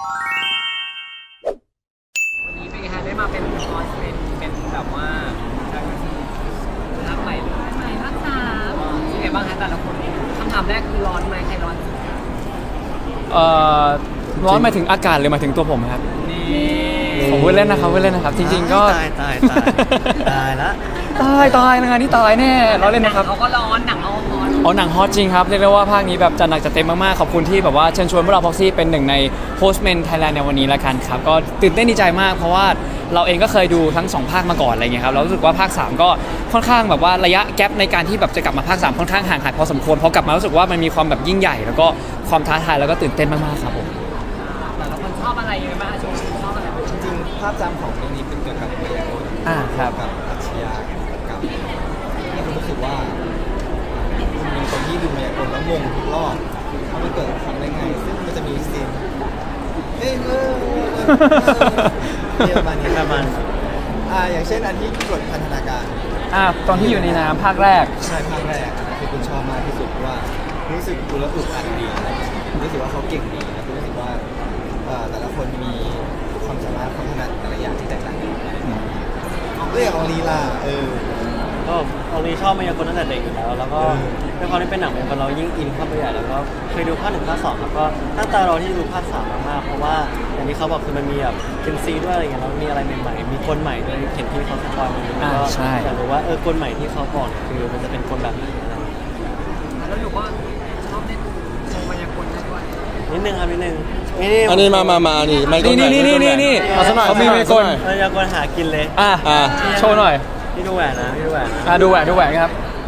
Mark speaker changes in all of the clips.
Speaker 1: วันนี้เป็นไงคะได้มาเป็นคอสเป็นแบบว่าภาคใหม่เลยใหม่ภาค3เป็นไงบ้างคะแต่ละคนคำถามแรกคือร้อนไหมใครร้อนสุด
Speaker 2: ร้อนหมายถึงอากาศหรือหมายถึงตัวผมครับ
Speaker 1: นี่
Speaker 2: ผมพูดเล่นนะครับ จริงๆก็
Speaker 3: ตายละ
Speaker 2: ตายงานนี้ตายแน่ร้อนเล่นนะครับ
Speaker 1: เขาก็ร้อนหนังเขาร้อน
Speaker 2: หนังฮอตจริงครับเรียกได้ว่าภาคนี้แบบจัดหนักจัดเต็มมากๆขอบคุณที่แบบว่าเชิญชวนพวกเราพ็อกซี่เป็นหนึ่งในโฮสต์แมนไทยแลนด์ในวันนี้ละกันครับก็ตื่นเต้นดีใจมากเพราะว่าเราเองก็เคยดูทั้ง2ภาคมาก่อนอะไรเงี้ยครับเรารู้สึกว่าภาค3ก็ค่อนข้างแบบว่าระยะแกปในการที่แบบจะกลับมาภาค3ค่อนข้างห่างหายพอสมควรพอกลับมารู้สึกว่ามันมีความแบบยิ่งใหญ่แล้วก็ความท้าทายแล้วก็ตื่นเต้นมากๆครับผม
Speaker 1: แต่ละคนชอบอะไรยังไงบ้างชมชอบอะไรบ้าง
Speaker 3: จริงๆภาพจำของเรื่องนี้เป็นเกี่ยวกับมายากล
Speaker 2: ครับ
Speaker 3: กับอาชญากรรมที่ผมรู้สึกว่ามันมีคนที่ดูมายากลแล้วงงทุกรอบว่ามันเกิดทำได้ไงซึ่งมันจะมีซีนเรียกมาเนี่ยประมาณอย่างเช่นอันที่กดพันธนาการ
Speaker 2: ตอนที่อยู่ในน้ำภาคแรก
Speaker 3: ใช่ภาคแรกอันนั้นคือคุณชอบมากที่สุดเพราะว่ารู้สึกดูแล้วอึดอัดดีรู้สึกว่าเขาเก่งดีนะรู้สึกว่าแต่ละคนมีความสามารถความถนัดแต่ละอย่างที่แตกต่างกันเรื่องของลีลา
Speaker 4: ก็เรานี้ชอบมายากลตั้งแต่เด็กอยู่แล้วแล้วก็ด้วยความที่เป็นหนังมายากลเรายิ่งอินเข้าไปใหญ่แล้วก็เคยดูภาค1ภาค2ครับก็ตั้งตารอที่จะดูภาค3มากๆเพราะว่าอย่างที่เขาบอกคือมันมีแบบเคนซีด้วยอะไรเงี้ยแล้วมีอะไรใหม่ๆมีคนใหม่ด้วยเห็นที่เขาสปอยล์มาแล้วก็
Speaker 2: ใช่
Speaker 4: อยากรู้ว่าคนใหม่ที่เขาบอกคือมันจะเป็นคนแบบไหนอะไร
Speaker 1: แล้วหนูก็ชอบเล่นโชว์มายากลด้วย
Speaker 4: นิดนึงครับนิดนึง
Speaker 5: อันนี้มานี่ไม่ต้อง
Speaker 2: นี่
Speaker 5: เอาสักหน่อย
Speaker 2: เขามีไมค์กล
Speaker 4: มายากลหากินเลย
Speaker 2: โชว์หน่อย
Speaker 4: พี่ดูแหวนนะพี่ดูแหวนนะ
Speaker 2: ดูแหวนครับ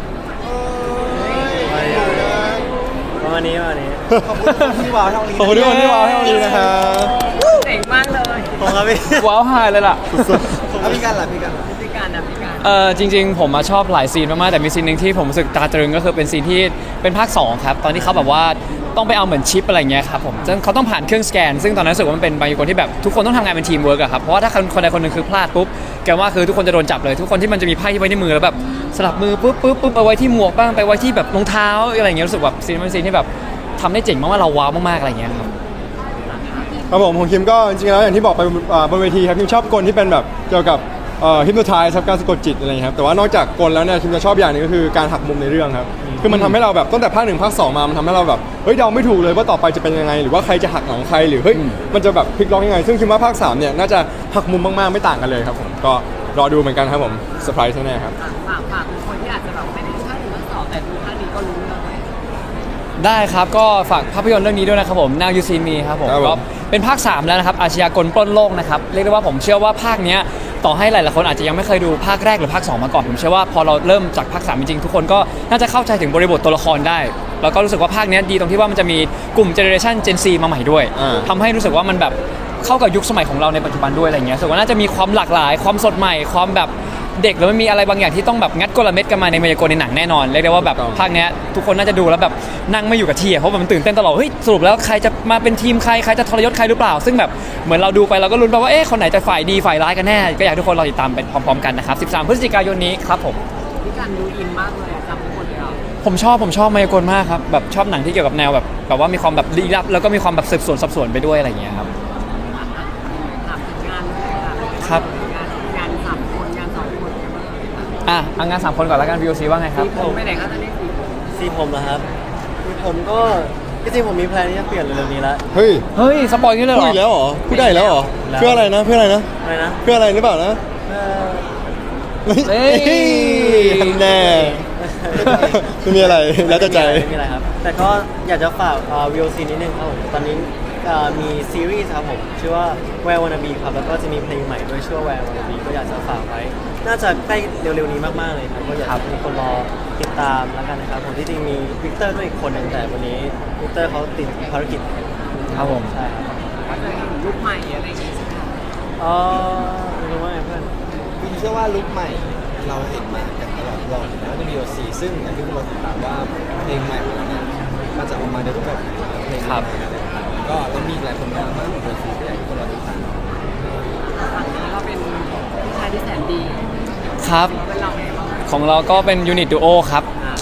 Speaker 4: ประมาณนี้
Speaker 3: ขอบคุณที่ว้าวเท่านี้
Speaker 5: ขอบคุณทุกคนที่ว้าวให้วันนี้นะครับ
Speaker 1: เจ๋งมากเลย
Speaker 4: ผมครับพี่
Speaker 2: ว้าวไฮเลยล่ะ
Speaker 3: พี่กันล่ะพี่กัน
Speaker 1: พิการนะพิการ
Speaker 2: จริงๆผมมาชอบหลายซีนมากๆแต่มีซีนหนึ่งที่ผมรู้สึกตาตรึงก็คือเป็นซีนที่เป็นภาค2ครับตอนที่เขาแบบว่าต้องไปเอาเหมือนชิปอะไรเงี้ยครับผมซึ่งเขาต้องผ่านเครื่องสแกนซึ่งตอนนั้นรู้สึกว่ามันเป็นบางคนที่แบบทุกคนต้องทำงานเป็นทีมเวิร์กอะครับเพราะว่าถ้าคนใดคนหนึ่งคือพลาดปุ๊บแกว่าคือทุกคนจะโดนจับเลยทุกคนที่มันจะมีไพ่ที่ไว้ในมือแล้วแบบสลับมือปุ๊บไปไว้ที่หมวกบ้างไปไว้ที่แบบรองเท้าอะไรเงี้ยรู้สึกแบบซีนเป็นซีนที่แบบทำได้เจ๋งมากๆเราว้าวมากๆอะไรเงี้ยครับ
Speaker 5: ครับผมของคิมก็จริงๆแล้วอย่างที่บอกไปบนเวทีครับคิมชอบกลที่เป็นแบบเกี่ยวกับฮิปโนไทส์ครับการสะกดจิตอะไรอย่างเงี้ยครับแต่ว่านอกจากกลแล้วเนี่ยคิมจะชอบอย่างหนึงก็คือการหักมุมในเรื่องครับคือมันทำให้เราแบบตั้งแต่ภาค1ภาค2มามันทำให้เราแบบเฮ้ยเดาไม่ถูกเลยว่าต่อไปจะเป็นยังไงหรือว่าใครจะหักหลังใครหรือเฮ้ยมันจะแบบพลิกล็อกยังไงซึ่งคิมว่าภาค3เนี่ยน่าจะหักมุมมากๆไม่ต่างกันเลยครับผมก็รอดูเหมือนกันครับผมเซอร์ไพรส์แน่ๆครับ
Speaker 1: ฝากทุกคนที่อาจจะแบบไม่ได้ภาค1ภาค2แต่ดูภาคนี้ก็รู้เลย
Speaker 2: ได้ครับก็ฝากภาพยนตร์เรื่องนี้ด้วยนะครับผม Now You See Me ครับผม
Speaker 5: ครับผม
Speaker 2: ก็เป็นภาค3แล้วนะครับอาชญากรปล้นโลกนะครับเรียกได้ว่าผมเชื่อว่าภาคเนี้ยต่อให้หลายๆคนอาจจะยังไม่เคยดูภาคแรกหรือภาค2มาก่อนผมเชื่อว่าพอเราเริ่มจากภาค3จริงๆทุกคนก็น่าจะเข้าใจถึงบริบทตัวละครได้แล้วก็รู้สึกว่าภาคเนี้ยดีตรงที่ว่ามันจะมีกลุ่มเจเนอเรชัน Gen Z มาใหม่ด้วยทำให้รู้สึกว่ามันแบบเข้ากับยุคสมัยของเราในปัจจุบันด้วยอะไรเงี้ยรู้สึกว่าน่าจะมีความหลากหลายความสดใหม่ความแบบเด็กแล้วมันมีอะไรบางอย่างที่ต้องแบบงัดกลเม็ดกันมาในมายากลในหนังแน่นอนเรียกได้ว่าแบบภาคเนี้ยทุกคนน่าจะดูแล้วแบบนั่งไม่อยู่กับที่เพราะมันตื่นเต้นตลอดเฮ้ยสรุปแล้วใครจะมาเป็นทีมใครจะทรยศใครหรือเปล่าซึ่งแบบเหมือนเราดูไปเราก็ลุ้นไปว่าคนไหนจะฝ่ายดีฝ่ายร้ายกันแน่ก็อยากให้ทุกคนรอติดตามไปพร้อมๆกันนะครับ13 พฤศจิกายนนี้ครับผม
Speaker 1: พิการดูอินมากเลยจำทุกคนเลยอ่ะ
Speaker 2: ผมชอบมายากลมากครับแบบชอบหนังที่เกี่ยวกับแนวแบบว่ามีความแบบลี้ลับแล้วก็มีความแบบสืบสวนสอบสวนไปด้วยอะไรอย่างเงี้ยครับ
Speaker 1: ถามถึงงานเลยค่ะ
Speaker 2: ครับ
Speaker 1: งาน3 คนงาน2 คนกันบ้าง
Speaker 2: เอางาน3คนก่อนแล้วกัน VOC ว่าไงครับ
Speaker 1: ผมไปไหนคะจะเล่นสีผม
Speaker 4: สีผมนะครับสีผมก็จริงๆผมมีแพลนที่จะเปลี่ยนเร็วๆนี้แล้ว
Speaker 5: เฮ้ย
Speaker 2: สปอยล์นี่เลยเห
Speaker 5: พู
Speaker 2: ร
Speaker 5: ด
Speaker 2: อ
Speaker 5: อีกแล้วเหรอพูดได้อีกแล้วเหรอเพื่ออะไรนะ
Speaker 4: อะไรนะ
Speaker 5: เพื่ออะไรหรือเปล่านะ
Speaker 4: เอ่อ
Speaker 2: เฮ้ย
Speaker 5: แน่ไม่มีอะไรแล้วแต่ใจ
Speaker 4: ไม่มีอะไรครับ แต่ก็อยากจะฝาก VOC นิดนึงครับผมตอนนี้มีซีรีส์ครับผมชื่อว่า Where Wanna Be ครับแล้วก็จะมีเพลงใหม่ด้วยชื่อว่า Where Wanna Be ก็อยากจะฝากไว้น่าจะใกล้เร็วๆนี้มากๆเลยครับก็อยากให้ทุกคนรอติดตามแล้วกันนะครับผมที่จริงมีวิกเตอร์ด้วยอีกคนหนึ่งแต่วันนี้วิกเตอร์เขาติดภารกิจ
Speaker 2: ครับผม
Speaker 4: ใช่ครับ
Speaker 1: ก็จะเห็นลุคใหม่อะไรอย่างเงี้ยใช่ไหมคะ
Speaker 4: ไม่รู้ว่าไงเพื่อน
Speaker 3: คุณเชื่อว่าลุคใหม่เราเห็นมากันตลอดรอบแล้วจะมีโอซีซึ่งอย่างที่เราติดตามว่าเพลงใหม่ของเราเนี่ยมันจะออกมาในรูปแบบไหนเพลงใหม่อะไรต่างๆก็แล้วมีหลายผลงานมากของโอซีที่อยากให้ทุกคนรอติดตาม
Speaker 1: ฝั่งนี้ก็เป็นผู้ชายที่แสนดี
Speaker 2: ครับ
Speaker 1: เป็นเราไงบ้าง
Speaker 2: ของเราก็เป็นยูนิตดูโอครับ เค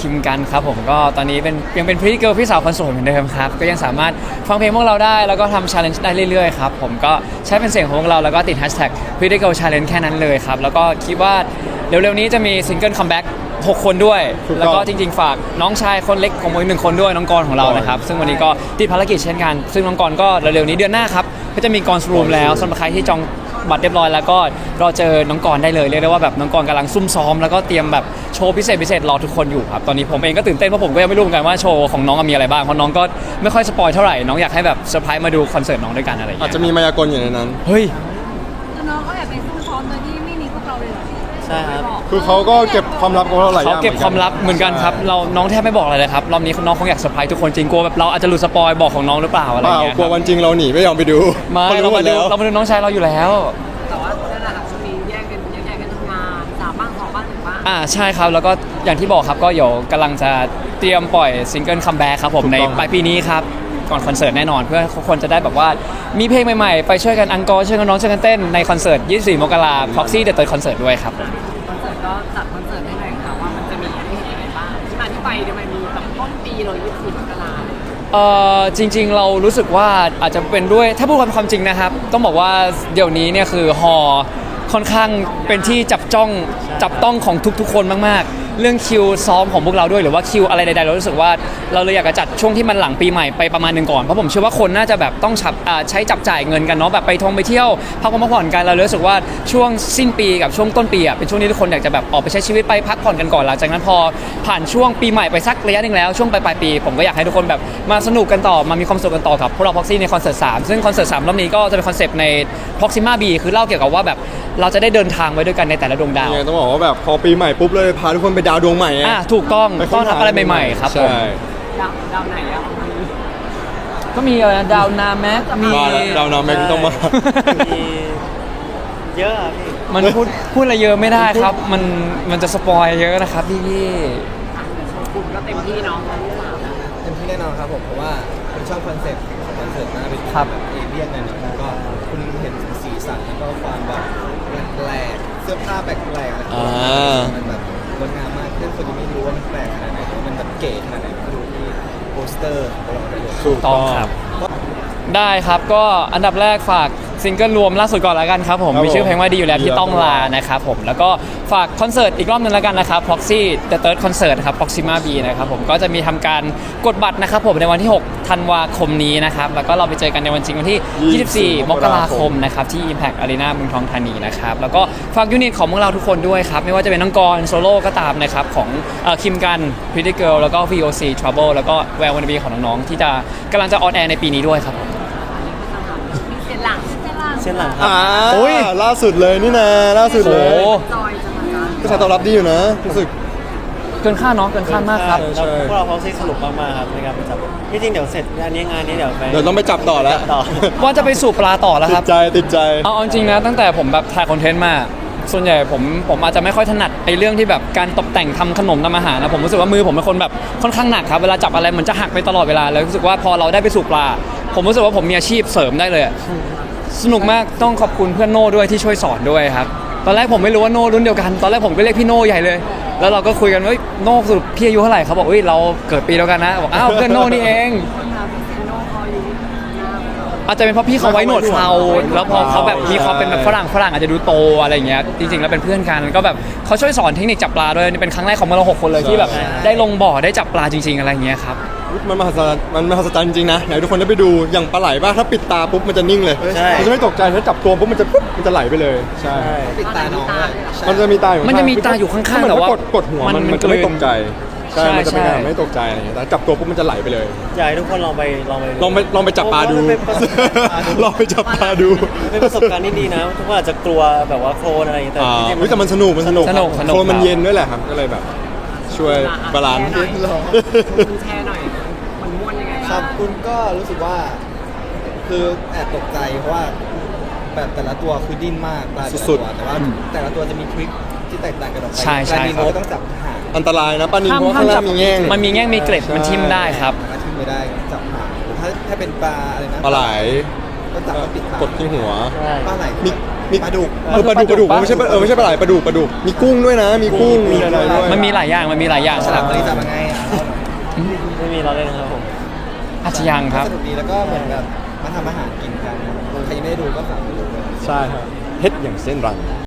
Speaker 2: คิมกันครับผมก็ตอนนี้ยังเป็นพรีเกิลพี่สาวคนสวยเหมือนเดิมครับก็ยังสามารถฟังเพลงพวกเราได้แล้วก็ทำชาเลนจ์ได้เรื่อยๆครับผมก็ใช้เป็นเสียงของพวกเราแล้วก็ติดแฮชแท็ก Pretty Girl Challenge แค่นั้นเลยครับแล้วก็คิดว่าเร็วๆนี้จะมีซิงเกิลคัมแบ็ก6 คนด้วย
Speaker 5: ถูกต้อง
Speaker 2: แล้วก็จริงๆฝากน้องชายคนเล็กของผมอีก1 คนด้วยน้องกรของเรานะครับซึ่งวันนี้ก็ติดภารกิจเช่นกันซึ่งน้องกรก็เร็วๆนี้เดือนหน้าครับก็จะมีกรรูมแล้วสำหรับใครที่จองบัตรเรียบร้อยแล้วก็รอเจอน้องกรได้เลยเรียกได้ว่าแบบน้องกรกำลังซุ่มซ้อมแล้วก็เตรียมแบบโชว์พิเศษรอทุกคนอยู่ครับตอนนี้ผมเองก็ตื่นเต้นเพราะผมก็ยังไม่รู้เหมือนกันว่าโชว์ของน้องมีอะไรบ้างเพราะน้องก็ไม่ค่อยสปอยเท่าไหร่น้องอยากให้แบบเซอร์ไพรส์มาดูคอนเสิร์ตน้องด้วยกันอะไรอย่าง
Speaker 5: อา
Speaker 2: เงี้
Speaker 5: จ
Speaker 2: ย
Speaker 5: จะมีมายากลอยู่ในนั้น
Speaker 2: เฮ้ย
Speaker 6: คือน้องก็แอบไปซุ่มซ้อมโดยที่ไม่มีพวกเราเลยเหรอ
Speaker 4: ใช่ครับ
Speaker 5: คือเขาก็เก็บความลับของเราหลายอ
Speaker 2: เขา
Speaker 5: ย่าง
Speaker 2: เก็บความลับเหมือนกันครับเราน้องแทบไม่บอกอะไรเลยครับรอบนี้น้องคงอยากเซอร์ไพรส์ทุกคนจริงกลัวแบบเราอาจจะหลุดสปอยบอกของน้องหรือเปล่าอะไร
Speaker 5: เป
Speaker 2: อย่า
Speaker 5: ล่าง
Speaker 2: เงี้ย
Speaker 5: กลัววันจริงเราหนีไม่ยอมไปดู
Speaker 2: ไม่
Speaker 5: เขา
Speaker 2: เรา
Speaker 5: รู้หม
Speaker 2: มา
Speaker 5: ด
Speaker 2: ดู
Speaker 5: แล้ว
Speaker 2: เรามาดูน้องชายเราอยู่แล้ว
Speaker 1: แต่ว่านั่นแหละครับช่วงนี้แยกกันทำงาน3 บ้าง 2 บ้าง 1 บ้าง
Speaker 2: ใช่ครับแล้วก็อย่างที่บอกครับก็เดี๋ยวกำลังจะเตรียมปล่อยซิงเกิลคัมแบ็กครับผม
Speaker 5: ถูก
Speaker 2: ใน
Speaker 5: ต้อง
Speaker 2: ปลายปีนี้ครับก่อนคอนเสิร์ตแน่นอนเพื่อทุกคนจะได้แบบว่ามีเพลงใหม่ๆ ไปช่วยกันอังกอร์ช่วยกันร้องช่วยกันเต้นในคอนเสิร์ต 24 มกราคม Proxy The Third Concert ด้วยครับผม
Speaker 1: คอนเสิร์ตก็จัดคอนเสิร์ตให้หน่อยค่ะว่ามันจะมีให้เห็นอะไรบ้างที่มาที่ไปทำไมมีแบบต้นปีเลย24 มกราคม
Speaker 2: จริงๆเรารู้สึกว่าอาจจะเป็นด้วยถ้าพูดความจริงนะครับ ต้องบอกว่าเดี๋ยวนี้เนี่ยคือฮอค่อนข้างเป็นที่จับต้องของทุกๆคนมากๆ เรื่องคิวซ้อมของพวกเราด้วยหรือว่าคิวอะไรใดๆเรารู้สึกว่าเราเลยอยากจะจัดช่วงที่มันหลังปีใหม่ไปประมาณหนึ่งก่อนเพราะผมเชื่อว่าคนน่าจะแบบต้องใช้จับจ่ายเงินกันเนาะแบบไปเที่ยวพักผ่อนกันเรารู้สึกว่าช่วงสิ้นปีกับช่วงต้นปีเป็นช่วงที่ทุกคนอยากจะแบบออกไปใช้ชีวิตไปพักผ่อนกันก่อนหลังจากนั้นพอผ่านช่วงปีใหม่ไปสักระยะหนึ่งแล้วช่วงปลายปีผมก็อยากให้ทุกคนแบบมาสนุกกันต่อมามีความสุขกันต่อกับพวกเรา Proxy ในคอนเสิร์ต3ซึ่งคอนเสิร์ต3รอบนี้ก็จะเป็นคอนเซปต์ใน Proxima B คือเล่าเกี่ยวกับว่าแบบเราจะได้เดินทางไปด้วยกันในแต่ละดวงดาว
Speaker 5: ยังไงต้องบอกว่าแบบพอปีใหม่ปุ๊บเลยพาทุกคนไปดาวดวงใหม่ไง
Speaker 2: ถูกต้อง
Speaker 5: ไปค้
Speaker 2: ต้อนรับอะไรใหม่ๆครับผม
Speaker 5: ใช่
Speaker 1: ดาวไหนอะ
Speaker 2: ก็มีอะไรนะดาวนาแม็กมี
Speaker 5: มาแล้วดาวนาแม็กต้องมา
Speaker 4: มีเยอะอะพี่
Speaker 2: มันพูดอะไรเยอะไม่ได้ครับ มันจะสปอยเยอะนะครับพี่
Speaker 1: กลุ่มก็เต็มที่เนาะตอนที่3
Speaker 3: เต็มที่แน่นอนครับผมเพราะว่าผมชอบคอนเซ็ปต์ของคอนเสิร์ตหน้าเป็น
Speaker 2: ครับ
Speaker 3: แบบเอเลี่ยนหน่อยๆแล้วก็คุณเห็นสีสันแล้วก็ความแบบแปลกๆเสื้อผ้าแปลกๆอะไรอย่างเงี้ยมันแบบงดงามมากเพื่อนคนที่ไม่รู้ว่ามันแปลกขนาดไหนหรือว่ามันแบบเก๋ขนาดไหนมาดูที่โปสเตอร์ของเราได้เลย
Speaker 5: ถูก
Speaker 2: ต้
Speaker 5: ต้
Speaker 2: อ
Speaker 5: อง ง
Speaker 2: ครับ ได้ครับก็อันดับแรกฝากซิงเกิลรวมล่าสุดก่อนแล้วกันครับผม
Speaker 5: ครับผม
Speaker 2: มีชื่อเพลงว่าดีอยู่แล้วที่ต้องลานะครับผมแล้วก็ฝากคอนเสิร์ตอีกรอบนึงแล้วกันนะครับ Proxy The Third Concert ครับ Proxima B นะครับผมก็จะมีทำการกดบัตรนะครับผมในวันที่ 6 ธันวาคมนี้นะครับแล้วก็เราไปเจอกันในวันจริงวันที่ 24 มกราคมนะครับที่ Impact Arena เมืองทองธานีนะครับแล้วก็ฝากยูนิตของพวกเราทุกคนด้วยครับไม่ว่าจะเป็นน้องกรโซโล่ก็ตามนะครับของคิมกัน Pretty Girl แล้วก็ VOC Trouble แล้วก็แวววันบีของน้องๆที่จะกำลังจะออนแอร์ในปีนี้ด้วยครับ
Speaker 1: มีเสียงหลัง
Speaker 4: เส้นหลังครับ
Speaker 5: โอ้ยล่าสุดเลยนี่นะล่าสุดเลย
Speaker 2: โอ้
Speaker 1: จอยจะมาจ้ะ
Speaker 5: กระแสตอบรับดีอยู่นะรู้สึก
Speaker 2: เกินคาดเนาะเกินคาดมากครับ
Speaker 5: ใช่
Speaker 4: แล้วพวกเราพ็อกซี่สนุกมากๆครับในการไปจับที่จริงเดี๋ยวเสร็จงานนี้เดี๋ยวไป
Speaker 5: เดี๋ยวต้องไปจับต่อแล้ว
Speaker 4: ต่อ
Speaker 2: ว่าจะไปสู่ปลาต่อแล้ว
Speaker 5: ติ
Speaker 2: ครั
Speaker 5: ด
Speaker 2: บ
Speaker 5: ใจติดใจ
Speaker 2: เอาจริงนะตั้งแต่ผมแบบถ่ายคอนเทนต์มาส่วนใหญ่ผมอาจจะไม่ค่อยถนัดไอ้เรื่องที่แบบการตกแต่งทำขนมทำอาหารนะผมรู้สึกว่ามือผมเป็นคนแบบค่อนข้างหนักครับเวลาจับอะไรเหมือนจะหักไปตลอดเวลาแล้วรู้สึกว่าพอเราได้ไปสู่ปลา ผมรู้สึกว่าผมมีอาชีพเสริมได้เลยอะสนุกมากต้องขอบคุณเพื่อนโน่ด้วยที่ช่วยสอนด้วยครับตอนแรกผมไม่รู้ว่าโน่รุ่นเดียวกันตอนแรกผมก็เรียกพี่โน่ใหญ่เลย แล้วเราก็คุยกันว่าเฮ้ยโน่สรุปพี่อายุเท่าไหร่เขาบอกเฮ้ยเราเกิดปีเดียวกันนะบอกอ้าวเพื่อนโน่นี่เอง
Speaker 1: คนทำเซโน่พออยู่หน้าเรา
Speaker 2: อาจจะเป็นเพราะพี่เขาไว้หนวดเคราแล้วพอเขาแบบมีความเป็นแบบฝรั่งอาจจะดูโตอะไรอย่างเงี้ยจริงๆแล้วเป็นเพื่อนกันก็แบบเขาช่วยสอนเทคนิคจับปลาด้วยนี่เป็นครั้งแรกของเรา6 คนเลยที่แบบได้ลงบ่อได้จับปลาจริง ๆอะไรอย่างเงี้ยครับ
Speaker 5: มันมหัศจรรย์จริงๆนะอยากให้ทุกคนได้ไปดูอย่างปลาไหลบ้างถ้าปิดตาปุ๊บมันจะนิ่งเลย
Speaker 4: ใช่
Speaker 5: มันจะไม่ตกใจถ้าจับตัวปุ๊บมันจะไหลไปเลยใช่
Speaker 4: ใช่
Speaker 3: ปิดตาน้องด้วย
Speaker 5: มันจะมีตาอยู่ข้างๆ
Speaker 2: มันจะมีตาอยู่ข้างๆ
Speaker 5: ถ้
Speaker 2: แต่ว่า
Speaker 5: กดหัว
Speaker 2: มัน
Speaker 5: มันจะไม่
Speaker 2: กลืน
Speaker 5: ตกใจใช่
Speaker 2: ใช่
Speaker 5: มันจะเป็น
Speaker 2: ใช่
Speaker 5: การไม่ตกใจอะไรอย่างเงี้ยแต่จับตัวปุ๊บมันจะไหลไปเลย
Speaker 4: อยากให้ทุกคนลองไป
Speaker 5: ลองไปจับปลาดู
Speaker 4: เพระมันเป็นประสบการณ์
Speaker 5: ลองไปจับปลาดู
Speaker 4: เป็นประสบการณ์ที่ดีนะทุกคนอาจจะกลัวแบบว่าโคลนอะไรอย่างเงี้ยแต่
Speaker 5: อ่า
Speaker 4: จริงๆ
Speaker 5: เฮ้ยแต่มันสนุก
Speaker 2: สนุก
Speaker 5: โคลนมันเย็นด้วยแหละครับก็เลยแบบ ช่วยบาลานซ์
Speaker 1: คุณแชร์หน่อยมันม่วนยังไง
Speaker 3: ค
Speaker 1: บ้า
Speaker 3: รั
Speaker 1: ง
Speaker 3: บคุณก็รู้สึกว่าคือแอบตกใจเพราะว่าแบบแต่ละตัวคือดิ้นมากปลาแต่ละ
Speaker 5: สุ
Speaker 3: ตั
Speaker 5: ด
Speaker 3: ว
Speaker 5: ๆ
Speaker 3: แต่ว่าแต่ละตัวจะมีทริคที่แตกต่างกันออกไป
Speaker 2: ใช่ใช่
Speaker 3: ปลานิล
Speaker 2: ครับ
Speaker 3: เราก็ต้องจับห่าง
Speaker 5: อันตรายนะปลานิลเพราะว่าข้างล่างมีแง่ง
Speaker 2: มันมีแง่งมีเกล็ดมันทิ่มได้ครับ
Speaker 3: มาทิ้งไม่ได้จับห่างหรือถ้าเป็นปลาอะไรนะ
Speaker 5: ปลาไหล
Speaker 3: ก็จับก็ปิดปาก
Speaker 5: กดที่หัว
Speaker 4: ใช่
Speaker 3: ปลาไหล
Speaker 5: มี
Speaker 3: ปลาดุก
Speaker 5: ปลาดุกไม่ใช่ไม่ใช่ปลาไหลปลาดุกมีกุ้งด้วยนะ มีกุ้งมีอะไรด้วย
Speaker 2: มันมีหลายอย่าง
Speaker 3: ฉลามตัวนี้จับยังไงอ่ะ
Speaker 4: ไม่มีเราเล่นนะครับผม
Speaker 2: อาจจะยังครับ
Speaker 3: สนุกดีแล้วก็เหมือนแบบมาทำอาหารกินกันใครยังไม่ได้ดูก็ฝากไปดูด้วย
Speaker 5: ใช่ครับเฮ็ดอย่างเส้นรัง